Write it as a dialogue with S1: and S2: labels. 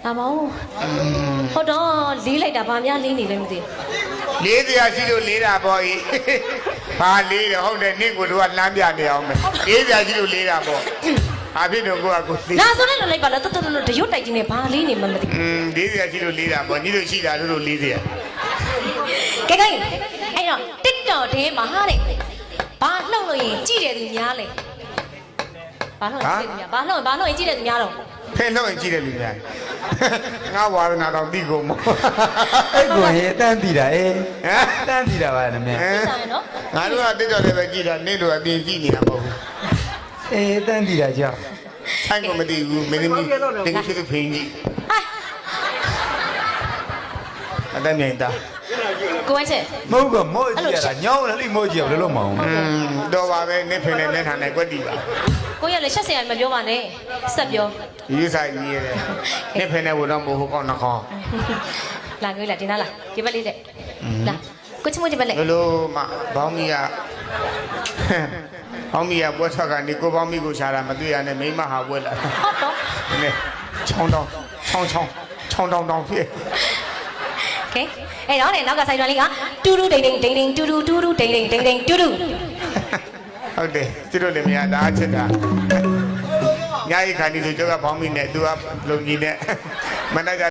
S1: ဒါမဟုတ်ဟုတ်တော့လေးလိုက်တာဗာများလေးနေလဲမသိ
S2: လေးတရားရှိလို့လေးတာပေါ့ကြီးဘာလေးတယ်ဟုတ်တယ်နင့်ကိုတို့ကလမ်းပြနေအောင်မယ်လေးတရားရှိလို့လေးတာပေါ့ဘာဖြစ်တော့ကိုကကိုလေး
S1: ဒါဆိုလည်းလိုက်ပါလားတော်တော်တရွတ်တိုက်ကြီးနဲ့ဘာလေးနေမှမသိ
S2: လေးတရားရှိလို့လေးတာပေါ့ညီတို့ရှိတာတို့လေးတရား
S1: ကဲအဲ့တော့ TikTok ထဲမှာဟာတဲ့ဘာလှုပ်လို့ရင်ကြည့်တယ်သူများလဲဘာလှုပ်ရင်ကြည့်တယ်သူများဘာလှုပ်ရင်ကြည့်တယ်သူများတော့
S2: ဖဲလို့ရင်ကြည့်တယ်လူများငါဝါရနာတော့တိကုန်မို့
S3: အဲ့ကိုဟဲ့တန်းတည်တာအေး
S2: ဟမ်
S3: တန်းတည်တာပါနမေ
S1: သိတယ်နော်
S2: ငါတို့ကတက်တော်လည်းပဲကြည့်တာနင့်တို့အပြင်ကြည့်နေတာမဟုတ်ဘူး
S3: အေးတန်းတည်တာကြောက်
S2: ဆိုင်ကမသိဘူးမင်းသမီးတင်ရှိတဲ့ဖိန်ကြီးအတမ်းမြိုင်တာ
S1: ကိုဝိုင်းချက်
S3: မဟုတ်ကမို့ကြည့်ရတာညောင်းလည်းလိမို့ကြည့်ရဘယ်လိုမအောင်
S2: တော့ပါပဲနင့်ဖိန်နဲ့နင့်ထာနဲ့ကွက်တီပါ
S1: ကိုရလည်းရှက်စရာမပြောပါနဲ့ဆက်ပြော
S2: ရေးဆိုင်ကြီးရတယ်နင့်ဖိန်နဲ့ဝတော့မဟုတ်ကောင်းနှခေါင်း
S1: လာကြွေးလာတင်လာဒီဘက်လေးတဲ့လာကိုချမိုးဒီဘက်လေး
S2: ဘလို့မှဘောင်းမီကဘောင်းမီကပွဲထွက်ကနေကိုဘောင်းမီကိုရှာတာမတွေ့ရနဲ့မိမဟာပွဲလာ
S1: ဟုတ်တော့
S2: နည်းချောင်းတောင်းတောင်းဖြစ်
S1: ကဲအဲ့တော့နောက်ကဆိုင်တော်လေးကတူတူဒိန်ဒိန်ဒိန်ဒိန်တူတူတူတူဒိန်ဒိန်ဒိန်ဒိန်တူတူ
S2: ဟုတ်တယ်သူတို့လည်းမရတာအချစ်တာညာရီခါနေသူကျောက်ကဘောင်းမီနဲ့သူကလုံကြီးနဲ့မနက်က